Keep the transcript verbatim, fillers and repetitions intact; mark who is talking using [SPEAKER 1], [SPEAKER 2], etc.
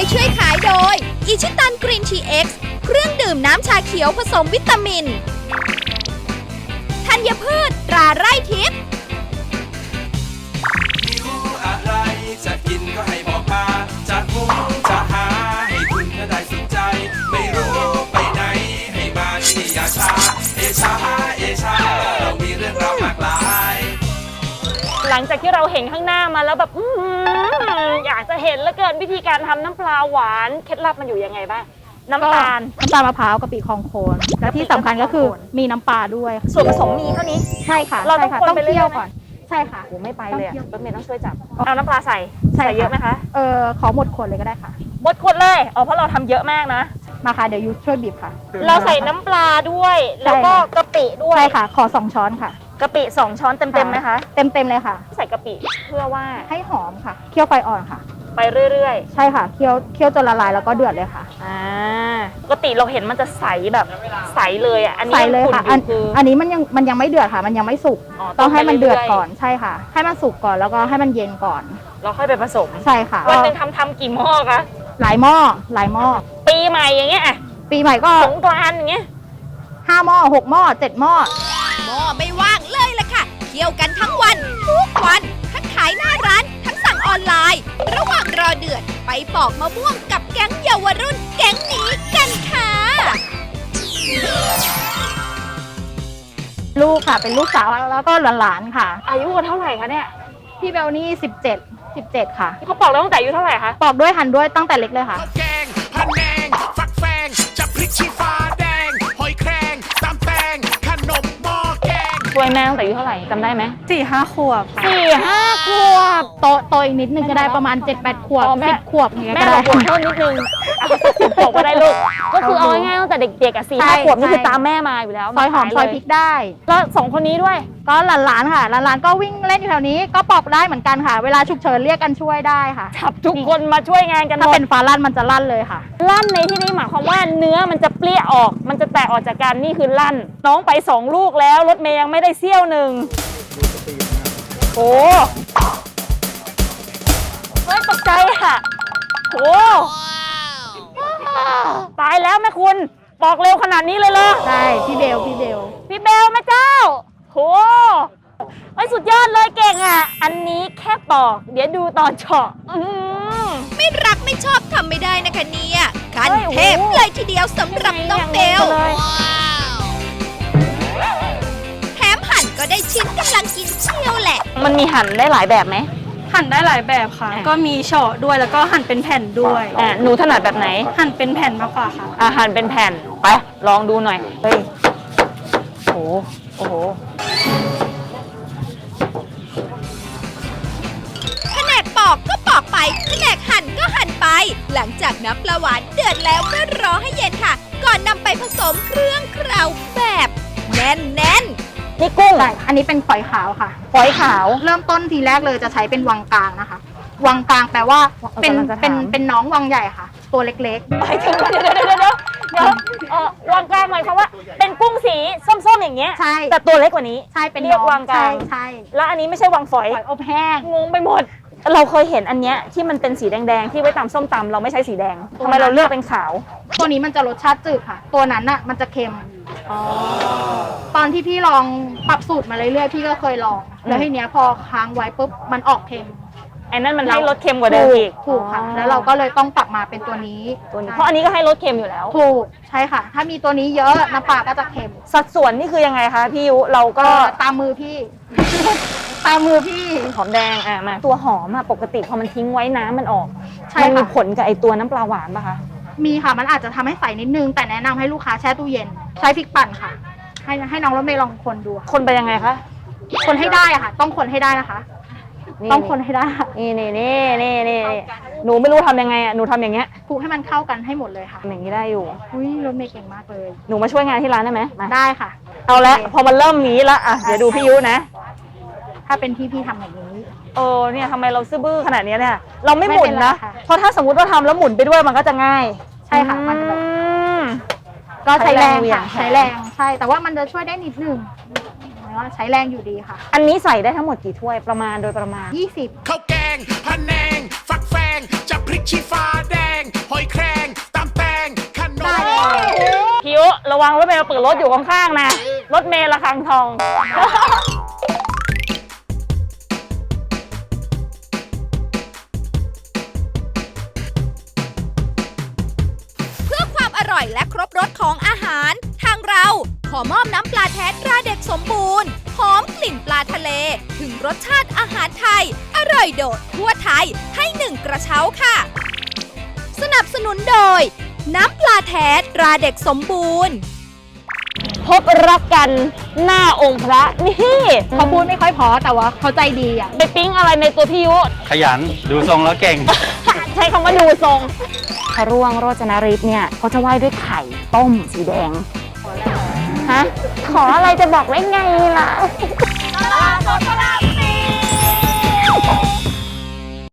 [SPEAKER 1] ช่วยขายโดยอิชิตันกรีนทีเอ็กซ์เครื่องดื่มน้ำชาเขียวผสมวิตามินธัญพืชตราไร่ทิพย์
[SPEAKER 2] หิวอะไรจะกินก็ให้บอกมาจะหุงจะหาให้คุณก็ได้สุขใจไม่รู้ไปไหนให้มาที่นี่อย่าช้าเอชาเอชาเรามีเรื่องราวมากมาย
[SPEAKER 3] หลังจากที่เราเห็นข้างหน้ามาแล้วแบบอืมอยากจะเห็นเหลือเกินวิธีการทำน้ำปลาหวานเคล็ดลับมันอยู่ยังไงบ้างน้ำตาล
[SPEAKER 4] น้ำตาลมะพร้าวกะปิคองโคนและที่สำคัญก็คือมีน้ำปลาด้วย
[SPEAKER 3] ส่วนผสมมีเท่านี้
[SPEAKER 4] ใช่ค่ะ
[SPEAKER 3] เราต้องคนไปเรื่อย
[SPEAKER 4] ก่อนใช่ค่ะ
[SPEAKER 3] โอ้ไม่ไปเลยรถเมย์ต้องช่วยจับเอาน้ำปลาใส่ใส่เยอะไหมคะ
[SPEAKER 4] เออขอหมดขวดเลยก็ได้ค่ะ
[SPEAKER 3] หมดขวดเลยอ๋อเพราะเราทำเยอะมากนะ
[SPEAKER 4] มาค่ะเดี๋ยวยูช่วยบีบค่ะ
[SPEAKER 3] เราใส่น้ำปลาด้วยแล้วก็กะปิด้วย
[SPEAKER 4] ใช่ค่ะขอสองช้อนค่ะ
[SPEAKER 3] กะปิสองช้อนเต็มเต็มไหมคะ
[SPEAKER 4] เต็มเต็มเลยค่ะ
[SPEAKER 3] ใส่กะปิเพื่อว่า
[SPEAKER 4] ให้หอมค่ะเคี่ยวไฟอ่อนค่ะ
[SPEAKER 3] ไปเรื่อย
[SPEAKER 4] ๆใช่ค่ะเคี่ยวเคี่ยวจนละลายแล้วก็เดือดเลยค่ะ
[SPEAKER 3] อ่าปกติเราเห็นมันจะใสแบบใสเลยอ่ะอันนี้
[SPEAKER 4] ใสเลยค่ะอันอันนี้มันยังมันยังไม่เดือดค่ะมันยังไม่สุกต้องให้มันเดือดก่อนใช่ค่ะให้มันสุกก่อนแล้วก็ให้มันเย็นก่อน
[SPEAKER 3] เราค่อยไปผสม
[SPEAKER 4] ใช่ค่ะ
[SPEAKER 3] วันหนึ่งทำทำกี่หม้อคะ
[SPEAKER 4] หลายหม้อหลายหม้อ
[SPEAKER 3] ปีใหม่อย่างเงี้ย
[SPEAKER 4] ปีใหม่ก็
[SPEAKER 3] สงกรานต์อย่างเงี้ย
[SPEAKER 4] ห้าหม้อหกหม้อเจ็ดหม้อ
[SPEAKER 1] หม้อไม่ว่างเลยล่ะค่ะเคี่ยวกันทั้งวันทุกวันทั้งขายหน้าร้านทั้งสั่งออนไลน์ระหว่างรอเดือดไปปอกมะม่วงกับแก๊งเยาวรุ่นแก๊งนี้กันค่ะ
[SPEAKER 4] ลูกค่ะเป็นลูกสาวแล้วก็หลานๆค่ะ
[SPEAKER 3] อายุเท่าไหร่คะเนี่ย
[SPEAKER 4] พี่เบลนี่สิบเจ็ด สิบเจ็ดค่ะ
[SPEAKER 3] เขาปอกแล้วตั้งแต่อายุเท่าไหร่คะ
[SPEAKER 4] ปอกด้วยหั่นด้วยตั้งแต่เล็กเลยค่ะ
[SPEAKER 2] แกงผัดแนงฟักแฟงจะพริกชี้ฟ้าแดงหอยแครงตำแตงขนมหม้อแกง
[SPEAKER 3] ช่วยแม่ตั้งแต่อายุเท่าไหร่จำได้ไหม
[SPEAKER 4] สี่ห้าขวบ
[SPEAKER 3] สี่ห้าขวบ
[SPEAKER 4] โตโตอีกนิดนึงก็ได้ประมาณเจ็ดแปดขวบสิบขวบอย่างเงี้ยก็ได้
[SPEAKER 3] แม่บอกเพิ่มนิดนึงสิบขวบก็ได้ลูกก็คือเอาง่ายๆตั้งแต่เด็กๆอ่ะสี่ห้าขวบนี่คือตามแม่มาอยู่แล้ว
[SPEAKER 4] ซอยหอมซอยพริกได้
[SPEAKER 3] แล้วสองคนนี้ด้วย
[SPEAKER 4] ก็หลานๆค่ะหลานๆก็วิ่งเล่นอยู่แถวนี้ก็ปอกได้เหมือนกันค่ะเวลาฉุกเฉินเรียกกันช่วยได้ค่ะ
[SPEAKER 3] จับทุกคนมาช่วยงานกันหมด
[SPEAKER 4] ถ้าเป็นฟ้าลั่นมันจะลั่นเลยค่ะ
[SPEAKER 3] ลั่นในที่นี้หมายความว่าเนื้อมันจะเปรี้ยออกมันจะแตกออกจากกันนี่คือลั่นน้องไปสองลูกแล้วรถเมย์ยังไม่ได้เสี้ยวหนึ่งโอ้เฮ้ยตกใจค่ะโอ้ตายแล้วแม่คุณปอกเร็วขนาดนี้เลยเหรอ
[SPEAKER 4] ใช่พี่เบลพี่เบล
[SPEAKER 3] พี่เบลแม่เจ้าโหไอ้สุดยอดเลยเก่งอ่ะอันนี้แค่ปอกเดี๋ยวดูตอนเฉาะ
[SPEAKER 1] ไม่รักไม่ชอบทำไม่ได้นะคะเนี่ยขั้นเทพเลยทีเดียวสำหรับน้องเบลแถมหั่นก็ได้ชิ้นกำลังกินเชียวแหละ
[SPEAKER 3] มันมีหั่นได้หลายแบบไหม
[SPEAKER 4] หั่นได้หลายแบบค่ะก็มีเฉาะด้วยแล้วก็หั่นเป็นแผ่นด้วย
[SPEAKER 3] อ่าหนูถนัดแบบไหน
[SPEAKER 4] หั่นเป็นแผ่นมากกว่าค่ะ
[SPEAKER 3] อ่าหั่นเป็นแผ่นไปลองดูหน่อยเฮ้ยโอ้โหโอ้โห
[SPEAKER 1] แผนกปอกก็ปอกไปแผนกหั่นก็หั่นไปหลังจากน้ำปลาหวานเดือดแล้วก็รอให้เย็นค่ะก่อนนำไปผสมเครื่องเคล้าแบบแน่นแน่น
[SPEAKER 3] นี่กุ้ง
[SPEAKER 4] อันนี้เป็นฝอยขาวค่ะ
[SPEAKER 3] ฝอยขาว
[SPEAKER 4] เริ่มต้นทีแรกเลยจะใช้เป็นวังกลางนะคะวังกลางแปลว่าเป็นเป็นเป็นน้องวังใหญ่ค่ะตัวเล็ก
[SPEAKER 3] ๆหมายถึงเดี๋ยวเดี๋ยวเดี๋ยวเดี๋ยวเดี๋ยวเออวังกลางหมายความว่าเป็นกุ้งสีส้มๆอย่างเงี้ย
[SPEAKER 4] ใช่
[SPEAKER 3] แต่ตัวเล็กกว่านี้
[SPEAKER 4] ใช่เป็น
[SPEAKER 3] เรียกวังกลาง
[SPEAKER 4] ใช่
[SPEAKER 3] แล้วอันนี้ไม่ใช่วังฝอย
[SPEAKER 4] ฝอยอบแห้ง
[SPEAKER 3] งงไปหมดเราเคยเห็นอันเนี้ยที่มันเป็นสีแดงๆที่ไว้ตำส้มตำเราไม่ใช้สีแดงทำไมเราเลือกเป็นขาว
[SPEAKER 4] ตัวนี้มันจะรสชาติจืดค่ะตัวนั้นน่ะมันจะเค็มตอนที่พี่ลองปรับสูตรมาเรื่อยๆพี่ก็เคยลองแล้วทีเนี้ยพอค้างไว้ปุ๊บมันออกเค็ม
[SPEAKER 3] ไอ้นั่นมันให้รสเค็มกว่าเดิมอีก
[SPEAKER 4] ถูกค่ะแล้วเราก็เลยต้องปรับมาเป็นตัวนี้
[SPEAKER 3] ตัวนี้เพราะอันนี้ก็ให้รสเค็มอยู่แล้ว
[SPEAKER 4] ถูกใช่ค่ะถ้ามีตัวนี้เยอะน้ำปลาก็จะเค็ม
[SPEAKER 3] สัดส่วนนี่คือยังไงคะพี่ยุเราก็
[SPEAKER 4] ตามมือพี่ตามมือพี่
[SPEAKER 3] หอมแดงอ่ะมาตัวหอมอ่ะปกติพอมันทิ้งไว้น้ำมันออกมันมีผลกับไอตัวน้ำปลาหวานป่ะคะ
[SPEAKER 4] มีค่ะมันอาจจะทำให้ใสนิดนึงแต่แนะนำให้ลูกค้าแช่ตู้เย็นใช้พริกปั่นค่ะให้ให้น้องรถเมย์ลองคนดู
[SPEAKER 3] คนไปยังไงคะ
[SPEAKER 4] คนให้ได้อะค่ะต้องคนให้ได้นะคะต้องคนให้ได้
[SPEAKER 3] นี่นี่นี่นี่นี่หนูไม่รู้ทำยังไงอ่ะหนูทำอย่างเงี้ย
[SPEAKER 4] คลุกให้มันเข้ากันให้หมดเลยค่ะ
[SPEAKER 3] อย่างนี้ได้อยู่
[SPEAKER 4] อุ้ยรถเมย์เก่งมากเลย
[SPEAKER 3] หนูมาช่วยงานที่ร้านได้ไหม
[SPEAKER 4] ได้ค่ะ
[SPEAKER 3] เอาละพอมันเริ่มนี้ละอ่ะเดี๋ยวดูพี่ยุนะ
[SPEAKER 4] ถ้าเป็นพี่พี่ทำอย่างนี้
[SPEAKER 3] เออเนี่ยทำไมเราซื่อบื้อขนาดนี้เนี่ยเราไม่หมุนนะเพราะถ้าสมมติว่าทำแล้วหมุนไปด้วยมันก็จะง่าย
[SPEAKER 4] ใช่ค่ะมันจะแบบก็ใช้แรงค่ะใช้แรงใช่แต่ว่ามันจะช่วยได้นิดนึงใช้แรงอยู่ดีค่ะ
[SPEAKER 3] อันนี้ใส่ได้ทั้งหมดกี่ถ้วยประมาณโดยประมาณ
[SPEAKER 4] ยี่สิบ
[SPEAKER 2] ข้าวแกงพะแนงฟักแฟงจะพริกชี้ฟ้าแดง
[SPEAKER 3] ระวังรถเมย์มาเปิดรถอยู่ข้างๆนะรถเมย์ระฆังทอง
[SPEAKER 1] เพื่อความอร่อยและครบรสของอาหาร ทางเราขอมอบน้ำปลาแท้ตราเด็กสมบูรณ์หอมกลิ่นปลาทะเล ถึงรสชาติอาหารไทย อร่อยโดดทั่วไทยให้หนึ่งกระเช้าค่ะ สนับสนุนโดย น้ำปลาแท้ตราเด็กสมบูรณ์
[SPEAKER 3] พบรักกันหน้าองค์พระนี่
[SPEAKER 4] เขาพูดไม่ค่อยเพอแต่ว่าเขาใจดีอ่ะ
[SPEAKER 3] ไปปิ๊งอะไรในตัวพี่ยุ
[SPEAKER 5] ขยันดูทรงแล้วเก่ง
[SPEAKER 3] ใช้คำว่าดูทรงพระร่วงโรจนฤทธิ์เนี่ยเขาจะไหว้ด้วยไข่ต้มสีแดงฮะขออะไรจะบอกได้ไงล่ะ
[SPEAKER 1] ตลาดสดพระ